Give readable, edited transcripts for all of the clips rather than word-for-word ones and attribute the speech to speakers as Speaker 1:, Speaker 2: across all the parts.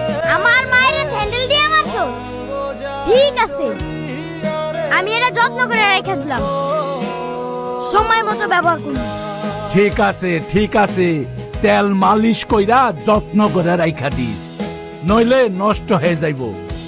Speaker 1: আমার মায়ের হ্যান্ডেল দিয়ে মারছো? ঠিক আছে, আমি এটা যত্ন করে রেখেছিলাম, সময় মতো ব্যবহার করব।
Speaker 2: ঠিক আছে, তেল মালিশ কইরা যত্ন করে রাইখা দিস, নইলে নষ্ট হয়ে যাইব।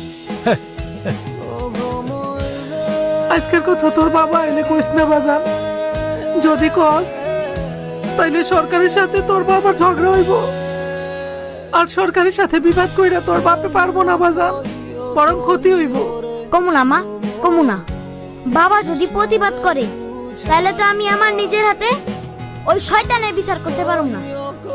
Speaker 3: আজকের কথা তোর বাবা এলে কইস না বাজান, যদি কস তাইলে সরকারের সাথে তোর বাবার ঝগড়া হইব, আর সরকারের সাথে বিবাদ কইরা তোর বাপে পারবো না বাজান, বরং ক্ষতি হইব।
Speaker 1: কমুনা মা, কমুনা। বাবা যদি প্রতিবাদ করে তাহলে তো আমি আমার নিজের হাতে ওই শয়তানের বিচার করতে পারুম না।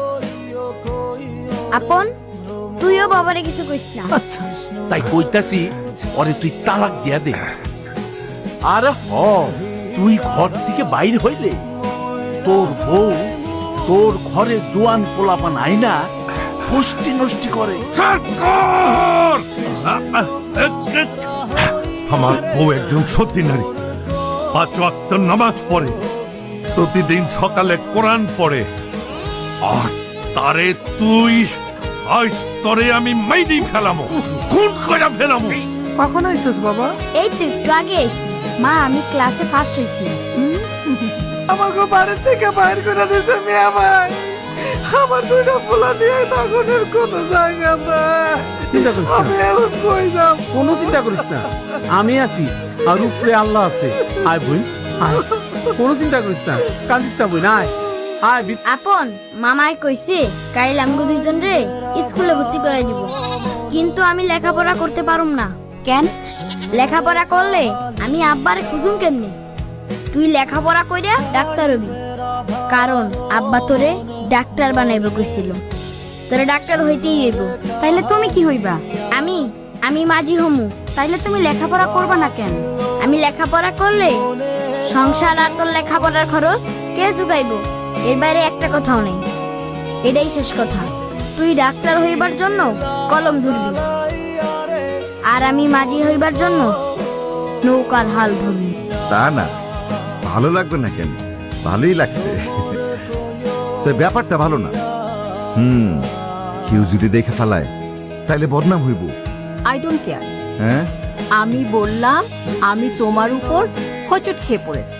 Speaker 1: আপন, তুইও বাবারে কিছু কইস না।
Speaker 3: আচ্ছা,
Speaker 2: তাই কইতাছি ওরে তুই তালাক দিয়া দে। আর তুই ঘর থেকে বাইর হইলে তোর বউ তোর ঘরে জোয়ান পোলাপান আইনা পুষ্টি নষ্টি করে।
Speaker 4: আমার বউ একজন সতী নারী, 5 ওয়াক্ত নামাজ পড়ে, প্রতিদিন সকালে কোরআন পড়ে, আর তারে তুই আজ তরে আমি মাইরি ফেলামো, খুন করে ফেলামো।
Speaker 3: কখন আইছিস বাবা?
Speaker 1: এই তো একটু আগে আইছি। মা, আমি ক্লাসে ফার্স্ট হইছি।
Speaker 3: আমাকে বাড়ির থেকে বাইর করে দিয়েছে মেয়ে ভাই, আমার দুইটা পোলা নিয়ে তখনের কোনো জায়গা নাই।
Speaker 5: চিন্তা করিস
Speaker 3: আমি
Speaker 5: না,
Speaker 3: এখন কই যাব?
Speaker 5: কোনো চিন্তা করিস না, আমি আছি আর উপরে আল্লাহ আছে। আয় বই, আয়, কোনো চিন্তা করিস না, কান্দিস না বই, আয় আয়।
Speaker 1: আপন, মামাই কইছে কাইল আমগো দুইজন রে স্কুলে ভর্তি করাই দিব, কিন্তু আমি লেখাপড়া করতে পারুম না। কেন? লেখাপড়া করলে আমি আব্বারে খুঁজুম কেমনে? তুই লেখাপড়া কইরা ডাক্তার হবি, কারণ আব্বা তোরে ডাক্তার বানাইব কইছিল। তোরে ডাক্তার হইতেই হইব।
Speaker 6: তাইলে তুমি কি হইবা?
Speaker 1: আমি মাঝি হমু।
Speaker 6: তাইলে তুমি লেখাপড়া করবা না কেন?
Speaker 1: আমি লেখাপড়া করলে সংসার আর তোর লেখাপড়ার খরচ কে জুগাইব? এর বাইরে একটা কথাও নেই, এটাই শেষ কথা। তুই ডাক্তার হইবার জন্য কলম ধরবি, আর আমি মাঝি হইবার জন্য নৌকার হাল ধরবি।
Speaker 7: তা না, ভালো লাগবে না কেন? ভালোই লাগছে, তো ব্যাপারটা ভালো না। কেউ যদি দেখে ফেলায় তাইলে বদনাম হইব।
Speaker 6: I don't care.
Speaker 7: হ্যাঁ,
Speaker 6: আমি বললাম আমি তোমার উপর হোঁচট খেয়ে পড়েছি।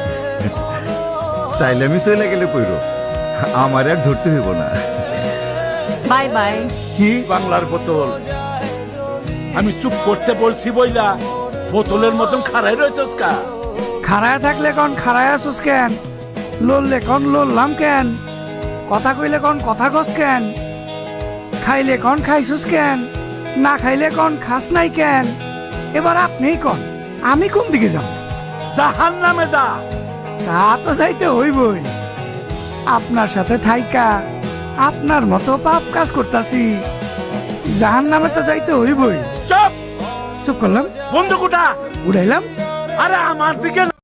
Speaker 7: তাইলে আমি চলে গেলে কইরো, আমার আর ধরতে হইব না।
Speaker 6: Bye bye.
Speaker 7: কি
Speaker 2: বাংলার বোতল, আমি চুপ করতে বলছি বইলা বোতলের মতন খাড়াই রয়েছস কা?
Speaker 3: খাড়ায় থাকলে কোন খাড়ায় আসুস কেন? লড়লে কোন লড়লাম কেন? কথা কইলে কোন কথা কস কেন? খাইলে কোন খাইছুস কেন? না খাইলে কোন খাস নাই কেন? এবার আপনিই কোন, আমি কোন দিকে যাব?
Speaker 2: জাহান্নামে যা।
Speaker 3: তা তো যাইতে হইবই। আপনার সাথে থাইকা আপনার মতো পাপ কাজ করতাছি, জাহান্নামে তো যাইতে হইবই।
Speaker 2: চুপ,
Speaker 3: চুপ করলাম,
Speaker 2: বন্দুক উঠা।
Speaker 3: উড়াইলাম।
Speaker 2: আরে আমার দিকে